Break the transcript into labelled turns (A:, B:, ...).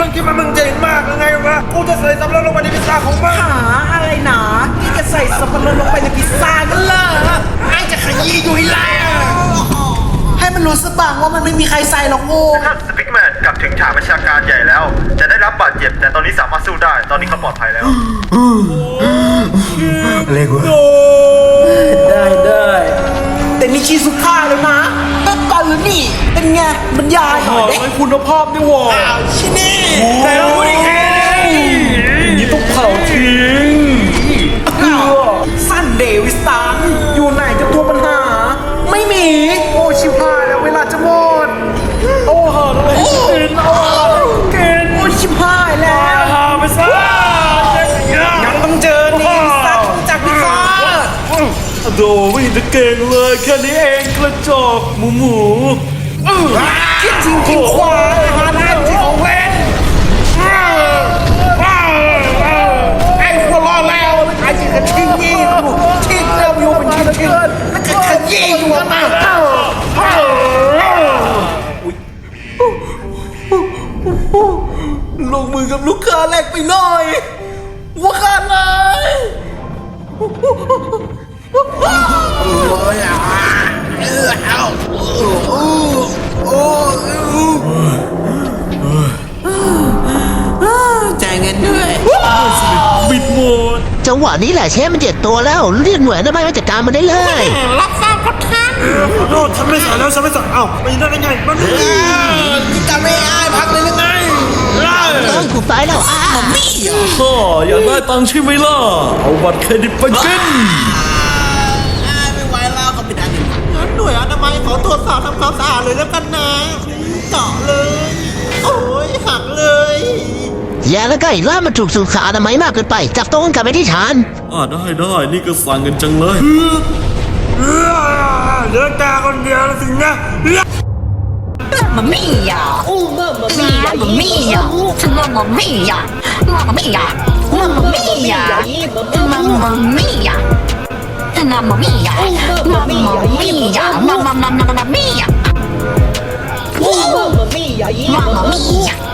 A: มึงคิดว่ามึงเจ๋งมากยังไงวะกูจะใส่สับปะรดลงไปในพิซซ่าของมึง
B: หาอะไรหนาที่จะใส่สับปะรดลงไปในพิซซ่ากันล่ะไอ้จะขยี้อยู่ให้แล้วให้มันรู้สบ้างว่ามันไม่มีใครใส่หรอกโง่
C: ครับสปิกแมนกลับถึงฉากประชาการใหญ่แล้ว จะได้รับบาดเจ็บแต่ตอนนี้สามารถสู้ได้ตอนนี้เขาปลอดภัยแล้ว
A: อะไรกู
B: ได้แต่นี่ชีสุดท้ายแล้วนะตั้งก่อนหรือนี่เป็นไงบรรยายหน่อย
A: ให้คุณภาพนี่หว่า
B: ชินี่
A: แต่เราไม่ได้แค่นี่ต้องเผาทิ้ง
B: สั้นเดวิสตันอยู่ไหนกับตัวปัญหาไม่มีโอชิพายแล้วเวลาจะหมด
A: โอ้หาอะไรกินโอ้กิน
B: โอชิพายแล้ว
A: หาไปซะ
B: ยังต้องเจอนี่สัตว์จากพิซซ่า
A: โดไม่เห็นจะเก่งเลยแค่นี้เองกระจอกหมู
B: คิดจริงคิดควายหาได้จริงของเล่นไอ้หัวล้อแล้วไอ้ที่กระทิ้งยี่ทิ้งแล้วอยู่เป็นชิ้นแล้วก็ขยี้อยู่มาลงมือกับลูกค้าแรกไปหน่อยว่าขาดเลยจ่ายเงินด้วย
A: บิดหมด
D: จังหวะนี้แหละเชฟมันเจ็บตัวแล้วเรียกหน่วยได้ไหมมาจัดการมันได้เลย
B: รับทราบครับท่าน
A: ขอโทษฉันไม่ใส่แล้วฉันไม่ใส่เอ้าไปได้ไงมัน
B: จะไม่อ้ายพักเลยหรือไง
D: ต้องกูไปแล้ว
B: มี่
A: พ่ออยากได้ตังค์ใช่ไหมล่ะเอาบัตรเครดิตไปกิน
B: ไม่ไหวแล้วก็ไม่ได้งั้นหน่วยอนามัยขอตรวจสอบทำความสะอาดเลยแล้วกันนะเจาะเลยโอ้ยหักเลย
D: อย่าแล้วก็อีกล่ามันถูกสุขอนามัยมากเกินไปจับตัวกันกลับไปที่ฐาน
A: ได้นี่ก็สั่งกันจังเลยเหลือตาคนเดียวแล้วสินะ
E: Mamma mia! Mamma mia! Mamma mia! Mamma mia! Mamma mia! Mamma mia! Mamma mia! Mamma mia! Mamma mia! Mamma mia! Mamma mia!